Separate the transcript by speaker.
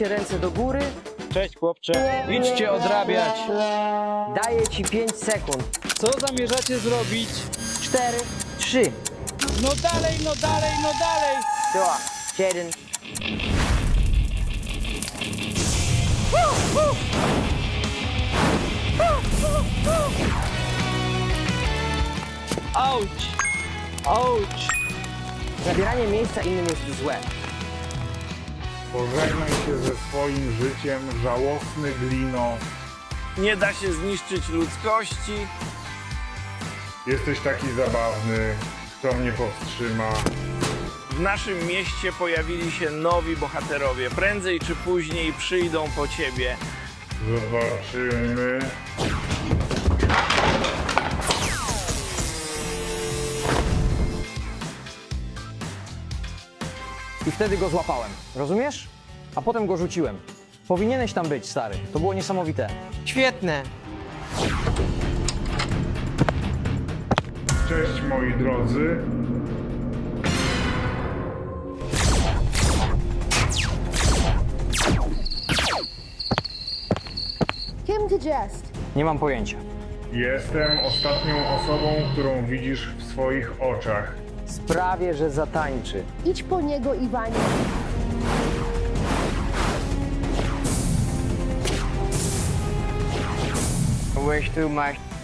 Speaker 1: Ręce do góry.
Speaker 2: Cześć chłopcze, idźcie odrabiać.
Speaker 1: Daję ci 5 sekund.
Speaker 2: Co zamierzacie zrobić?
Speaker 1: 4, 3,
Speaker 2: No dalej, no dalej, no dalej.
Speaker 1: 2, 1.
Speaker 2: Auć, auć.
Speaker 1: Zabieranie miejsca innym jest złe.
Speaker 3: Pożegnaj się ze swoim życiem, żałosny glino.
Speaker 4: Nie da się zniszczyć ludzkości.
Speaker 3: Jesteś taki zabawny, kto mnie powstrzyma.
Speaker 4: W naszym mieście pojawili się nowi bohaterowie. Prędzej czy później przyjdą po ciebie.
Speaker 3: Zobaczymy.
Speaker 1: I wtedy go złapałem. Rozumiesz? A potem go rzuciłem. Powinieneś tam być, stary. To było niesamowite.
Speaker 5: Świetne.
Speaker 3: Cześć moi drodzy.
Speaker 6: Kim to jest?
Speaker 1: Nie mam pojęcia.
Speaker 3: Jestem ostatnią osobą, którą widzisz w swoich oczach.
Speaker 1: Sprawię, że zatańczy.
Speaker 6: Idź po niego, Iwanie.
Speaker 5: Byłeś tu, masz